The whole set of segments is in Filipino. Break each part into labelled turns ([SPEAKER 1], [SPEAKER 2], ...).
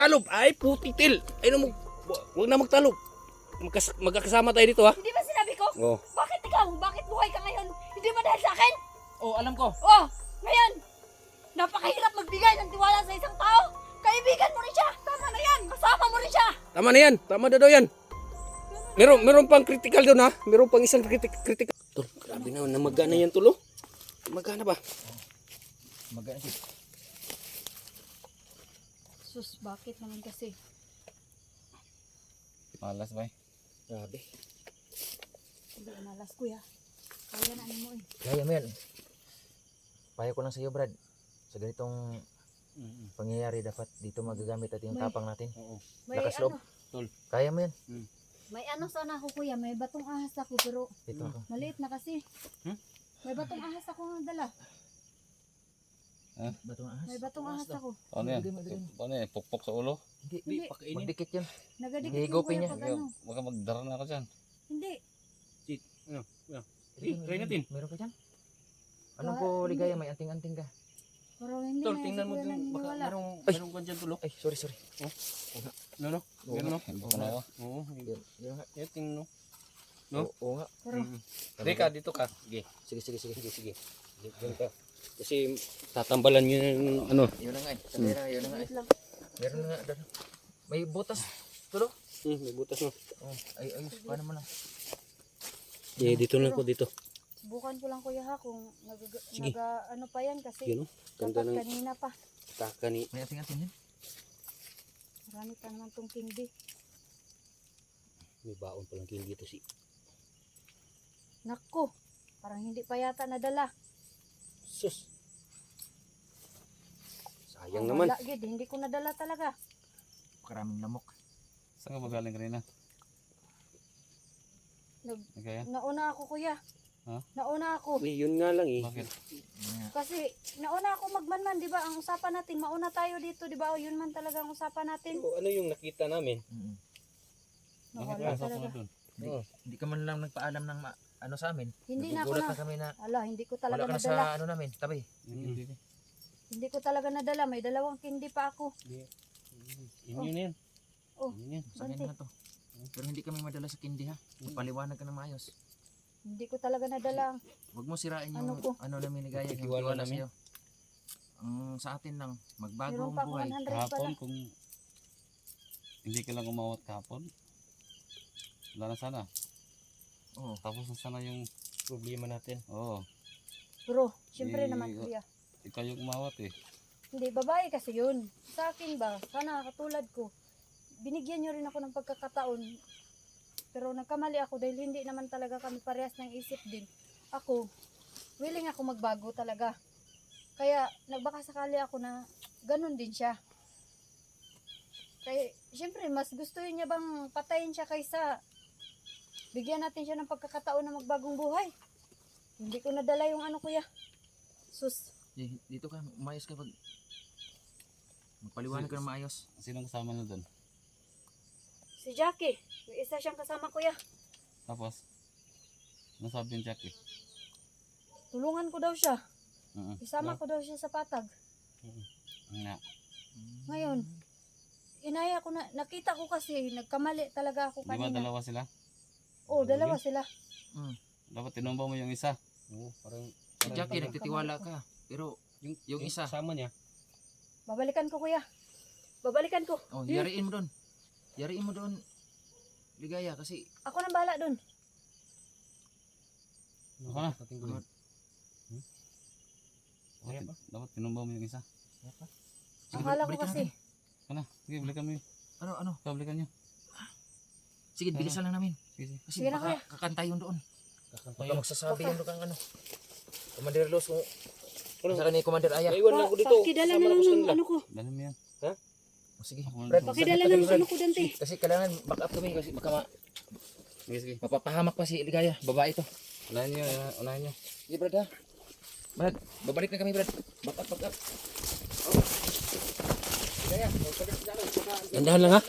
[SPEAKER 1] Talob! Ay, putitil! Ay, no, huwag na magtalob. Magkakasama tayo dito, ha?
[SPEAKER 2] Hindi ba sinabi ko?
[SPEAKER 1] Oo.
[SPEAKER 2] Bakit ikaw? Bakit buhay ka ngayon? Hindi ba dahil sa akin?
[SPEAKER 1] Oh, alam ko.
[SPEAKER 2] Oh, ngayon, napakahirap magbigay ng tiwala sa isang tao. Kaibigan mo rin siya. Tama na yan. Kasama mo rin siya.
[SPEAKER 1] Tama na yan. Tama na daw yan. Meron pang critical doon, ha? Meron pang isang critical. Tol, grabe na. Namagana yan, tulo. Magana ba?
[SPEAKER 3] Magana siya.
[SPEAKER 2] Sus, bakit naman kasi?
[SPEAKER 3] Malas ba?
[SPEAKER 1] Grabe.
[SPEAKER 2] Hindi malas kuya. Kaya na mo eh.
[SPEAKER 3] Kaya mo yan. Payo ko lang sa iyo, Brad. Sa ganitong pangyayari, dapat dito magagamit natin yung tapang natin.
[SPEAKER 1] Oo.
[SPEAKER 2] May
[SPEAKER 3] Lakas loob.
[SPEAKER 2] ano,
[SPEAKER 3] Kaya mo yan.
[SPEAKER 2] may ano sana ako kuya. May batong ahas ako pero
[SPEAKER 3] Dito ako.
[SPEAKER 2] maliit na kasi. May batong ahas ako na dala.
[SPEAKER 3] Batong ahas.
[SPEAKER 2] May batong ahas ako.
[SPEAKER 4] Ano yan?
[SPEAKER 3] Bigay mo, bigay mo.
[SPEAKER 4] Ano yan? Pukpok sa ulo?
[SPEAKER 2] Hindi.
[SPEAKER 1] Pakainin.
[SPEAKER 3] Magdikit yan.
[SPEAKER 2] Nagadikit yung
[SPEAKER 3] Higupin
[SPEAKER 2] kuya
[SPEAKER 3] niya.
[SPEAKER 2] pag ano.
[SPEAKER 4] Baka magdara na ako dyan.
[SPEAKER 2] Hindi.
[SPEAKER 1] Try natin.
[SPEAKER 3] Meron ka dyan? Anong
[SPEAKER 2] Wala,
[SPEAKER 3] po
[SPEAKER 2] hindi.
[SPEAKER 3] ligaya? May anting-anting ka.
[SPEAKER 2] Pero hindi
[SPEAKER 1] Tol,
[SPEAKER 2] na
[SPEAKER 1] tingnan mo
[SPEAKER 2] kuya
[SPEAKER 1] dun. Baka
[SPEAKER 2] naniniwala.
[SPEAKER 1] merong kwan dyan, tulo.
[SPEAKER 3] Ay, sorry.
[SPEAKER 1] Ano?
[SPEAKER 3] Oo
[SPEAKER 1] Ganun, no?
[SPEAKER 4] Hindi ko na ako.
[SPEAKER 1] Oo.
[SPEAKER 3] Yun nga.
[SPEAKER 1] Eh, tingnan, no? No?
[SPEAKER 3] Oo nga.
[SPEAKER 2] Pero
[SPEAKER 1] Deka, dito ka. Sige.
[SPEAKER 3] Sige.
[SPEAKER 1] Sige. Diyan ka. Kasi tatambalan yun yung ano.
[SPEAKER 3] Yun na nga eh. Sandera, yun na nga eh.
[SPEAKER 2] wait lang.
[SPEAKER 3] Meron na nga. doon. May butas. Tulo.
[SPEAKER 1] May butas, no?
[SPEAKER 3] Oh, ayos. Paano mo na?
[SPEAKER 1] Eh, dito na ako, dito.
[SPEAKER 2] Subukan ko lang kuya ha kung
[SPEAKER 1] Sige.
[SPEAKER 2] ano pa yan kasi
[SPEAKER 1] Yun, no? Ganda
[SPEAKER 2] dapat
[SPEAKER 1] ng
[SPEAKER 2] kanina pa.
[SPEAKER 1] taka ni...
[SPEAKER 3] May anting-anting yan.
[SPEAKER 2] Marami pa naman tong kindi.
[SPEAKER 1] May baon palang king dito si...
[SPEAKER 2] Nako, parang hindi pa yata nadala.
[SPEAKER 1] Sus! Sayang naman.
[SPEAKER 2] Wala gid, hindi ko nadala talaga.
[SPEAKER 3] Karaming lamok.
[SPEAKER 4] Saan ka magaling kanina? Kaya?
[SPEAKER 2] Nauna ako kuya.
[SPEAKER 4] Ha?
[SPEAKER 2] Nauna ako.
[SPEAKER 1] Eh, yun nga lang eh.
[SPEAKER 4] Bakit?
[SPEAKER 2] Kasi nauna ako magmanman, di ba? Ang usapan natin, mauna tayo dito, di ba? O yun man talaga ang usapan natin.
[SPEAKER 1] Ano yung nakita namin?
[SPEAKER 4] Bakit
[SPEAKER 2] Nawala
[SPEAKER 4] ka sa
[SPEAKER 2] talaga.
[SPEAKER 4] doon?
[SPEAKER 3] Hindi ka man lang nagpaalam ng ano sa amin.
[SPEAKER 2] Hindi na ako
[SPEAKER 3] Nagugulat
[SPEAKER 2] na.
[SPEAKER 3] na kami na
[SPEAKER 2] Ala, hindi ko talaga
[SPEAKER 3] wala ka na
[SPEAKER 2] nadala.
[SPEAKER 3] sa ano namin, tabi.
[SPEAKER 4] Hindi.
[SPEAKER 2] Hindi ko talaga nadala. May dalawang kindi pa ako.
[SPEAKER 1] Yun yan.
[SPEAKER 2] Oh,
[SPEAKER 1] Yun yan.
[SPEAKER 3] Sa akin
[SPEAKER 2] Bante.
[SPEAKER 3] na to. Pero hindi kami madala sa kindi ha. Paliwanag ka na maayos.
[SPEAKER 2] Hindi ko talaga nadala.
[SPEAKER 3] Huwag mo sirain yung
[SPEAKER 2] Ano ko?
[SPEAKER 3] ano namin ligaya, yung
[SPEAKER 1] Tiwala
[SPEAKER 3] tiwala
[SPEAKER 1] namin.
[SPEAKER 3] sa'yo. Ang sa atin lang, magbago
[SPEAKER 2] Meron
[SPEAKER 3] ang
[SPEAKER 2] pa ako
[SPEAKER 3] buhay.
[SPEAKER 2] 100 pala.
[SPEAKER 4] Kahapon kung hindi ka lang umawat kahapon, wala na sana.
[SPEAKER 3] Oo.
[SPEAKER 4] Tapos na sana yung
[SPEAKER 1] Problema natin.
[SPEAKER 4] oo.
[SPEAKER 2] Bro, syempre
[SPEAKER 4] Eh,
[SPEAKER 2] naman kuya.
[SPEAKER 4] Ikaw yung umawat eh.
[SPEAKER 2] Hindi, babae kasi yun. Sa akin ba, sana katulad ko, binigyan nyo rin ako ng pagkakataon. Pero nagkamali ako dahil hindi naman talaga kami parehas ng isip din. Ako, willing ako magbago talaga. Kaya nagbaka sakali ako na ganun din siya. Kaya, syempre, mas gusto niya bang patayin siya kaysa bigyan natin siya ng pagkakataon na magbagong buhay. Hindi ko nadala yung ano kuya. Sus.
[SPEAKER 3] Dito ka, umayos ka pag magpaliwanag ka na maayos.
[SPEAKER 4] Sinong kasama na doon?
[SPEAKER 2] Si Jackie, may isa siyang kasama kuya.
[SPEAKER 4] Tapos, ano sabi ni Jackie?
[SPEAKER 2] Tulungan ko daw siya. Isama
[SPEAKER 4] No?
[SPEAKER 2] ko daw siya sa patag.
[SPEAKER 4] Nga.
[SPEAKER 2] Ngayon, inaya ko na, nakita ko kasi, nagkamali talaga ako
[SPEAKER 4] Di ba
[SPEAKER 2] kanina.
[SPEAKER 4] dalawa sila?
[SPEAKER 2] Oo, dalawa sila.
[SPEAKER 4] Dapat tinumba mo yung isa.
[SPEAKER 1] Oo, parang...
[SPEAKER 3] Si Jackie, nagtitiwala ka. Pero yung isa,
[SPEAKER 1] Kasama niya.
[SPEAKER 2] Babalikan ko kuya. Babalikan ko.
[SPEAKER 3] oh, yariin mo doon. Yariin mo doon. Ligaya kasi
[SPEAKER 2] Ako nang bahala dun.
[SPEAKER 4] Ako na.
[SPEAKER 1] Tatingin.
[SPEAKER 4] Dapat tinumba mo yung isa.
[SPEAKER 2] Akala ko
[SPEAKER 3] balikan
[SPEAKER 2] kasi.
[SPEAKER 3] natin.
[SPEAKER 4] Ano? Sige, balikan mo yun.
[SPEAKER 3] Ano?
[SPEAKER 4] Ikaw, balikan nyo.
[SPEAKER 3] Sige, bilisan lang namin.
[SPEAKER 4] Sige.
[SPEAKER 3] Kasi
[SPEAKER 2] Sige na,
[SPEAKER 3] baka
[SPEAKER 2] kuya.
[SPEAKER 3] kakantay yun doon.
[SPEAKER 1] Kakantay
[SPEAKER 3] Baka magsasabi yun doon ano. Commander Los, kung sa kanina Commander Aya.
[SPEAKER 1] Iwan lang ako dito.
[SPEAKER 2] Pakidala
[SPEAKER 1] Kasama
[SPEAKER 2] na lang
[SPEAKER 1] ko sa
[SPEAKER 2] ng
[SPEAKER 1] kanila.
[SPEAKER 2] ano ko.
[SPEAKER 4] Dali mo yan.
[SPEAKER 3] Oh, sige.
[SPEAKER 4] Ako
[SPEAKER 3] Brad,
[SPEAKER 4] na-
[SPEAKER 2] Pakidala
[SPEAKER 3] sakit
[SPEAKER 2] ng
[SPEAKER 3] kami,
[SPEAKER 2] ano ko dante.
[SPEAKER 3] Kasi kailangan back up kami kasi baka
[SPEAKER 4] Sige, sige.
[SPEAKER 3] mapapahamak pa si Ligaya. Babae to.
[SPEAKER 4] Unahin nyo, unahin nyo.
[SPEAKER 3] Sige Brad ha. Brad, babalik na kami Brad. Back up. Ligaya, magpabalik na kami.
[SPEAKER 1] Gandahan lang ha.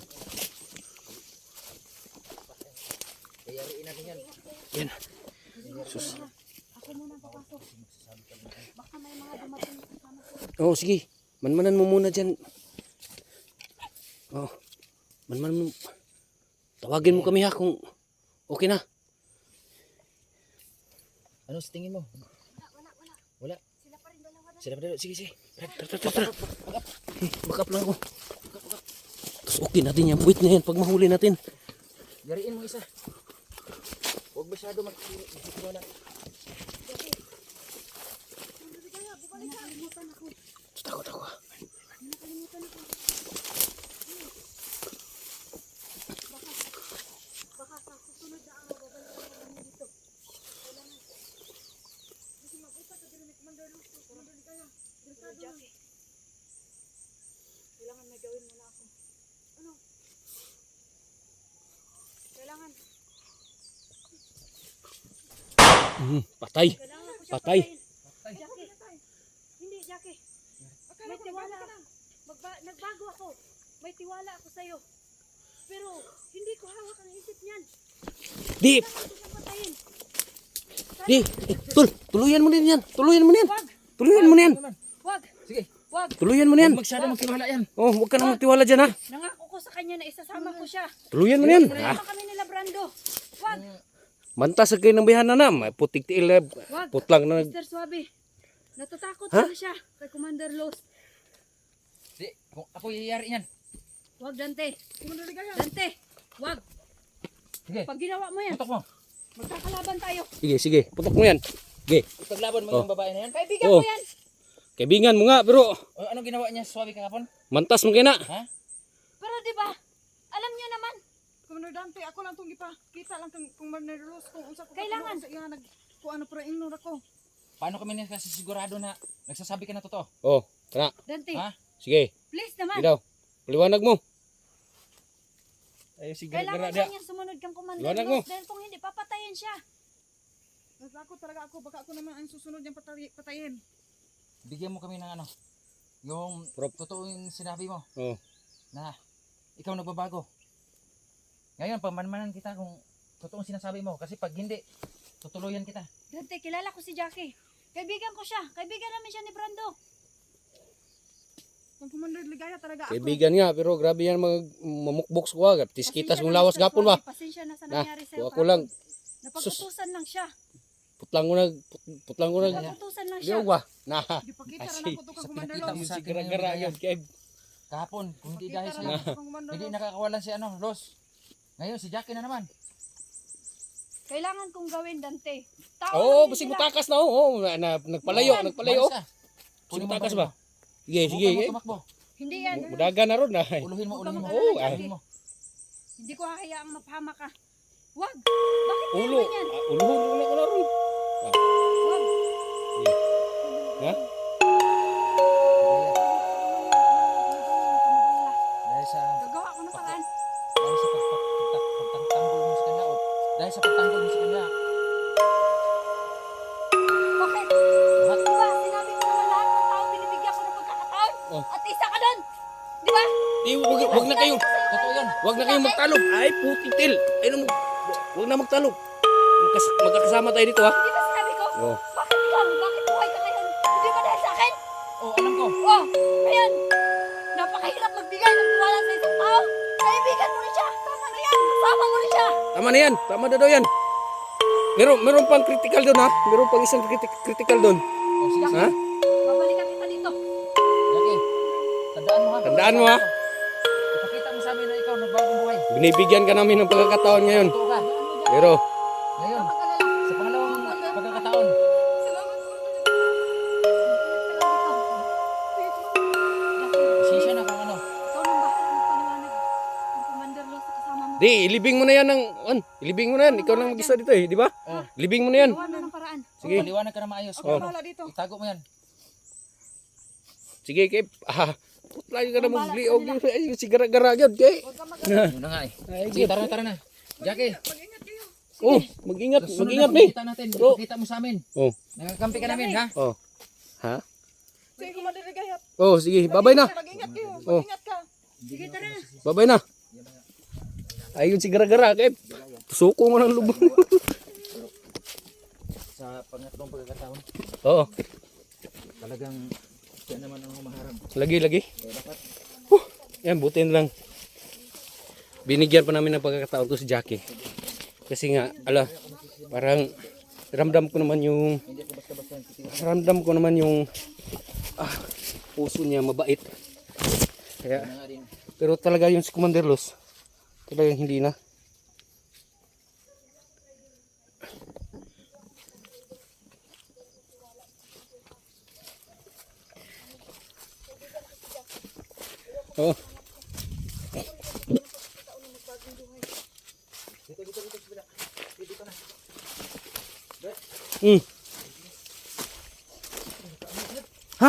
[SPEAKER 3] Yariin natin yan.
[SPEAKER 1] Yan. Sus.
[SPEAKER 2] Ako muna papasok. Baka may mga dumating na kasama ko.
[SPEAKER 1] Oh, sige. Manmanan mo muna dyan. Oh. Manmanan mo. Tawagin mo kami ha kung okay na.
[SPEAKER 3] Ano sa tingin mo? Wala.
[SPEAKER 2] Sila pa rin dalawa na.
[SPEAKER 3] Sila pa dito. Sige, sige.
[SPEAKER 1] Tara. Back up lang ako. Tapos okay natin yan. Puwit na yan pag mahuli natin.
[SPEAKER 3] Yariin mo isa. Huwag masyado mag-wala.
[SPEAKER 2] Nakalimutan ako.
[SPEAKER 1] Takot ako.
[SPEAKER 2] Nakalimutan ako. Baka sa susunod na araw, babalik ako kami dito. Kailangan. Kasi mag-upa ka din ni Commander Luz. Commander Ligaya. Delikado lang. Kailangan may gawin muna ako. Ano? Kailangan.
[SPEAKER 1] Patay.
[SPEAKER 2] Kailangan ko siya
[SPEAKER 1] Patay.
[SPEAKER 2] patayin. Jackie. Hindi, Jackie. May tiwala. Nagbago ako. May tiwala ako sa'yo. Pero hindi ko hawak ang isip niyan.
[SPEAKER 1] Di.
[SPEAKER 2] Kailangan ko siyang patayin.
[SPEAKER 1] Di. Tuluyan mo din yan. Tuluyan mo yan.
[SPEAKER 2] Wag!
[SPEAKER 1] Tuluyan mo na yan.
[SPEAKER 2] Wag!
[SPEAKER 3] Sige.
[SPEAKER 2] Wag!
[SPEAKER 1] Tuluyan mo na yan.
[SPEAKER 3] Huwag masyado magtiwala yan.
[SPEAKER 1] Oh, huwag ka na magtiwala dyan ha.
[SPEAKER 2] Nangako ko sa kanya na isasama ko siya.
[SPEAKER 1] Tuluyan mo na yan.
[SPEAKER 2] Kasama kami nila Brando. Wag!
[SPEAKER 1] Mantas kayo ng bihana na. May putik tiil.
[SPEAKER 2] Wag!
[SPEAKER 1] Putlang na.
[SPEAKER 2] Mr. Suabe. Natatakot
[SPEAKER 1] Ha?
[SPEAKER 2] na siya kay Commander Los.
[SPEAKER 3] Di, kung ako yayari yan.
[SPEAKER 2] Wag, Dante. Dante! Wag!
[SPEAKER 3] Sige.
[SPEAKER 2] Pag ginawa mo yan,
[SPEAKER 3] Putok mo.
[SPEAKER 2] magkakalaban tayo.
[SPEAKER 1] Sige. Putok mo yan. Sige.
[SPEAKER 3] Ipaglaban mo
[SPEAKER 1] Oh.
[SPEAKER 3] yung babae na yan.
[SPEAKER 2] Kaibigan
[SPEAKER 1] Oh.
[SPEAKER 2] ko yan.
[SPEAKER 1] Kaibigan mo nga pero
[SPEAKER 3] O, anong ginawa niya sa Suabe kahapon?
[SPEAKER 1] mantas mo kaya na.
[SPEAKER 3] Ha?
[SPEAKER 2] Pero di ba? Alam niyo naman,
[SPEAKER 5] Commander Dante, ako lang itong kita lang kung Commander Luz kung unsa ko
[SPEAKER 2] Kailangan.
[SPEAKER 5] sa iya kung ano pero ignore ako.
[SPEAKER 3] Paano kami niya kasi sigurado na nagsasabi ka na totoo?
[SPEAKER 1] Oh, kana.
[SPEAKER 2] Dante,
[SPEAKER 3] Ha?
[SPEAKER 1] Sige.
[SPEAKER 2] please naman.
[SPEAKER 1] Sige daw. Paliwanag mo. Ay, sige.
[SPEAKER 2] Kailangan
[SPEAKER 1] Gara-gara.
[SPEAKER 2] kanya sumunod kang Commander
[SPEAKER 1] Liwanag mo.
[SPEAKER 2] Los dahil kung hindi, papatayin siya.
[SPEAKER 5] Natakot talaga ako baka ako naman ang susunod niyang patayin.
[SPEAKER 3] Bigyan mo kami ng ano, yung
[SPEAKER 1] Prop.
[SPEAKER 3] totoo yung sinabi mo
[SPEAKER 1] Oh.
[SPEAKER 3] na ikaw nagbabago. Ngayon, pamanmanan kita kung totoong sinasabi mo kasi pag hindi, tutuluyan kita.
[SPEAKER 2] Dante, kilala ko si Jackie. Kaibigan ko siya. Kaibigan namin siya ni Brando.
[SPEAKER 5] Kung Commander Ligaya talaga ako.
[SPEAKER 1] Kaibigan nga pero grabe yan mamukboks ko agad. Tiskitas
[SPEAKER 2] Pasensya
[SPEAKER 1] mong
[SPEAKER 2] na,
[SPEAKER 1] lawas
[SPEAKER 2] Mr.
[SPEAKER 1] gapon ba?
[SPEAKER 2] Suabe. Pasensya na sa
[SPEAKER 1] Na,
[SPEAKER 2] nangyari sa'yo.
[SPEAKER 1] ako lang.
[SPEAKER 2] Napagutusan lang siya.
[SPEAKER 1] Putlang ko na. Putlang ko na.
[SPEAKER 2] Napagutusan lang siya.
[SPEAKER 1] Diyaw ba? Na.
[SPEAKER 5] Di pa kita
[SPEAKER 3] Kasi,
[SPEAKER 5] ra nako to kang
[SPEAKER 3] sa
[SPEAKER 5] Commander
[SPEAKER 3] pinakita
[SPEAKER 5] Luz.
[SPEAKER 3] mo sa akin
[SPEAKER 1] Gara-gara
[SPEAKER 3] ngayon,
[SPEAKER 1] yun. Kaya
[SPEAKER 3] Kahapon, kung hindi
[SPEAKER 5] Pakita
[SPEAKER 3] dahil
[SPEAKER 5] ra
[SPEAKER 3] sa
[SPEAKER 5] nako to kang Commander
[SPEAKER 3] hindi
[SPEAKER 5] Luz.
[SPEAKER 3] nakakawalan si ano, Los. Ngayon, si Jackie na naman.
[SPEAKER 2] Kailangan kong gawin, Dante. Tao
[SPEAKER 1] Oo,
[SPEAKER 2] lang din
[SPEAKER 1] basig
[SPEAKER 2] sila.
[SPEAKER 1] mutakas na. Oo, nagpalayo. Nagpalayo.
[SPEAKER 3] Umalis ka.
[SPEAKER 1] Basig
[SPEAKER 3] Kunin mo
[SPEAKER 1] mutakas
[SPEAKER 3] ang
[SPEAKER 1] ba? Sige,
[SPEAKER 3] baril mo.
[SPEAKER 1] sige.
[SPEAKER 3] Huwag ka tumakbo.
[SPEAKER 2] Hindi yan.
[SPEAKER 1] Mudaga na ron na.
[SPEAKER 3] Uluhin mo,
[SPEAKER 2] Huwag ka
[SPEAKER 3] uluhin mo.
[SPEAKER 2] mag-alala,
[SPEAKER 1] Oo,
[SPEAKER 2] Jackie.
[SPEAKER 3] Uluhin mo.
[SPEAKER 2] Hindi ko hahayaang mapahama ka. Wag! Bakit
[SPEAKER 1] Ulo.
[SPEAKER 2] meron yan?
[SPEAKER 1] Ulo na ko na ron.
[SPEAKER 2] Wag!
[SPEAKER 1] Ha?
[SPEAKER 3] Dahil sa
[SPEAKER 2] Gagawa ko ng paraan.
[SPEAKER 3] pagtanggol mo sa kanya o dahil sa pagtanggol mo sa kanya.
[SPEAKER 2] Bakit?
[SPEAKER 3] Lahat.
[SPEAKER 2] Diba, sinabi ko naman lahat ng tao, binibigyan ko ng pagkakataon.
[SPEAKER 1] Oh.
[SPEAKER 2] At isa ka doon. Diba?
[SPEAKER 1] Wag na kayong
[SPEAKER 3] Totoo yan.
[SPEAKER 1] Wag na kayong magtalog. Ay, putik-til. Ay, wag na magtalog. Magkakasama tayo dito ha.
[SPEAKER 2] Di ba sinabi ko?
[SPEAKER 1] Oh.
[SPEAKER 2] Bakit ikaw? Bakit buhay ka ngayon? Hindi ba dahil sa akin?
[SPEAKER 3] Oo, alam ko.
[SPEAKER 2] Oh, ngayon. Napakahirap magbigay ng tiwala sa isang tao. Kaibigan mo rin siya. Tama na yan. Kasama mo rin siya.
[SPEAKER 1] Tama na yan. Tama na daw yan. Meron pang critical doon ha. Meron pang isang critical doon.
[SPEAKER 3] O, sige, sige.
[SPEAKER 1] Ha?
[SPEAKER 2] Babalikan kita dito.
[SPEAKER 3] Jackie, tandaan mo ha.
[SPEAKER 1] Tandaan mo ha.
[SPEAKER 3] Ipakita mo sa amin na ikaw nagbagong buhay.
[SPEAKER 1] Binibigyan ka namin ng pagkakataon ngayon.
[SPEAKER 3] Totoo ka.
[SPEAKER 1] Pero,
[SPEAKER 3] Ngayon,
[SPEAKER 2] Huwag ka mag-alala.
[SPEAKER 3] sa pangalawang pagkakataon,
[SPEAKER 5] Salamat Commander.
[SPEAKER 3] pasensya na kung ano.
[SPEAKER 2] Ikaw nang bahala magpaliwanag. Ang Commander Los sa kasama mo.
[SPEAKER 1] di, ilibing mo na yan ng, ilibing mo na yan. Ikaw lang mag-isa dito eh, di ba?
[SPEAKER 3] Oh.
[SPEAKER 1] Ilibing mo na yan.
[SPEAKER 2] Gawa na ng paraan.
[SPEAKER 1] Sige.
[SPEAKER 3] Paliwanag ka na maayos.
[SPEAKER 5] Ako
[SPEAKER 3] Kung ano,
[SPEAKER 5] bahala dito.
[SPEAKER 3] itago mo yan.
[SPEAKER 1] Sige, kay, putla ka na
[SPEAKER 2] Ang bahala
[SPEAKER 1] magliog.
[SPEAKER 2] sa nila.
[SPEAKER 1] Ay, si gara-gara yun, kay.
[SPEAKER 2] Huwag ka mag-alala.
[SPEAKER 3] Yun na nga eh.
[SPEAKER 1] Ay,
[SPEAKER 3] Sige, tara na. Jackie,
[SPEAKER 5] Mag-ingat kayo.
[SPEAKER 1] oh, mag-ingat,
[SPEAKER 3] susunod
[SPEAKER 1] mag-ingat
[SPEAKER 3] na
[SPEAKER 1] ni.
[SPEAKER 3] pagkita natin.
[SPEAKER 1] Oh.
[SPEAKER 3] Ipakita mo sa amin.
[SPEAKER 1] Oh,
[SPEAKER 3] Nakakampi ka namin, ha?
[SPEAKER 1] oh. Ha?
[SPEAKER 5] Sige Commander Ligaya.
[SPEAKER 1] Oh, sige, babay na.
[SPEAKER 5] Mag-ingat kayo.
[SPEAKER 1] Oh.
[SPEAKER 5] Mag-ingat ka.
[SPEAKER 2] Sige, tara na.
[SPEAKER 1] Babay na. Ayun si gara-gara, kay. Suko mo ng lubong.
[SPEAKER 3] sa pangatlong pagkakataon,
[SPEAKER 1] Oo.
[SPEAKER 3] talagang siya naman ang humaharap.
[SPEAKER 1] Lagi.
[SPEAKER 3] Kaya dapat,
[SPEAKER 1] Yan, butin lang. Binigyan pa namin ng pagkakataon to si Jackie. Kasi nga, parang ramdam ko naman yung puso niya mabait. Kaya,
[SPEAKER 3] na nga din,
[SPEAKER 1] pero talaga yung si Commander Los, talagang hindi na. Oh. Hmm. Ha?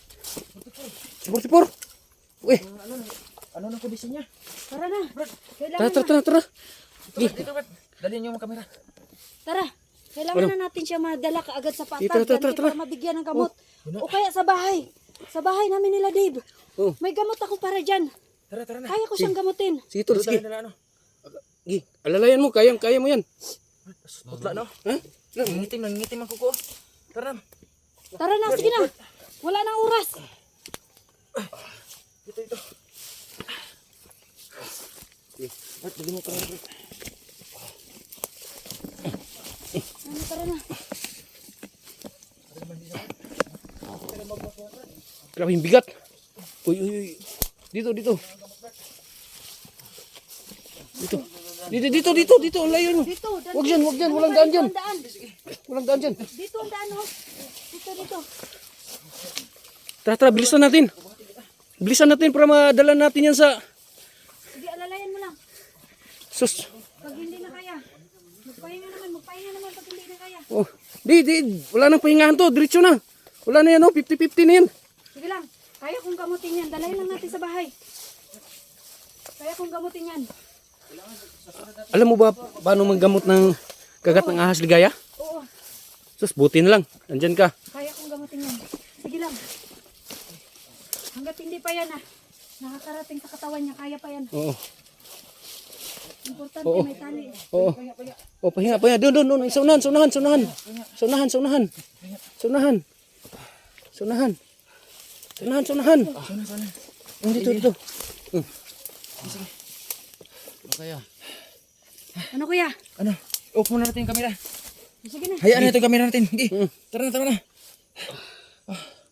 [SPEAKER 1] 44? Uy,
[SPEAKER 3] ano nang kondisyon niya?
[SPEAKER 2] Tara na. Kailangan
[SPEAKER 1] tara.
[SPEAKER 3] Dito, Brad. Dalhin niyo yung kamera.
[SPEAKER 2] Tara. Kailangan na natin siya madala kaagad sa
[SPEAKER 1] Tara.
[SPEAKER 2] patag para mabigyan ng gamot. O kaya sa bahay. Sa bahay namin nila, Dave.
[SPEAKER 1] Oh.
[SPEAKER 2] May gamot ako para dyan.
[SPEAKER 3] Tara na.
[SPEAKER 2] Kaya ko siyang gamutin.
[SPEAKER 1] Sige, tol, sige.
[SPEAKER 3] Dala, ano?
[SPEAKER 1] Sige, alalayan mo, kaya mo yan.
[SPEAKER 3] Putla, no?
[SPEAKER 1] Ha?
[SPEAKER 3] Nangingitim ang kuko. Tara na.
[SPEAKER 2] Tara na, sige na. Wala nang oras.
[SPEAKER 3] Dito. Brad, bigyan mo kamera, Brad.
[SPEAKER 2] Tara na.
[SPEAKER 1] Grabe yung bigat. Uy. Dito. Dito. Ang layo mo.
[SPEAKER 2] Dito.
[SPEAKER 1] Wag dyan. Walang daan dyan. Walang daan dyan.
[SPEAKER 2] Dito ang daan, oh. Dito.
[SPEAKER 1] Tara, bilisan natin. Bilisan natin para madala natin yan sa...
[SPEAKER 2] Sige, alalayan mo lang.
[SPEAKER 1] Sus.
[SPEAKER 2] Pag hindi na kaya. Magpahinga naman pag hindi na kaya.
[SPEAKER 1] Oh. Di. Wala nang pahingahan to. Diretso na. Wala na yan, oh. 50-50 na yan.
[SPEAKER 2] Sige lang. Kaya kong gamutin yan. Dalayan lang natin sa bahay. Kaya kong gamutin yan.
[SPEAKER 1] Alam mo ba paano maggamot ng kagat ng ahas ligaya?
[SPEAKER 2] Oo.
[SPEAKER 1] Sus, buti na lang. Andyan ka.
[SPEAKER 2] Kaya kong gamutin yan. Sige lang. Hanggat hindi pa yan nakakarating sa katawan niya, kaya pa yan.
[SPEAKER 1] Oo.
[SPEAKER 2] Importante
[SPEAKER 1] Oo.
[SPEAKER 2] may tali.
[SPEAKER 1] Oo. Oh, pahinga. Doon. Saunahan. Dito.
[SPEAKER 4] Kaya.
[SPEAKER 2] Ano kuya?
[SPEAKER 3] Ano? Off muna natin yung kamera.
[SPEAKER 2] Sige na.
[SPEAKER 3] Hayaan natin yung kamera natin. Hindi. Tara na.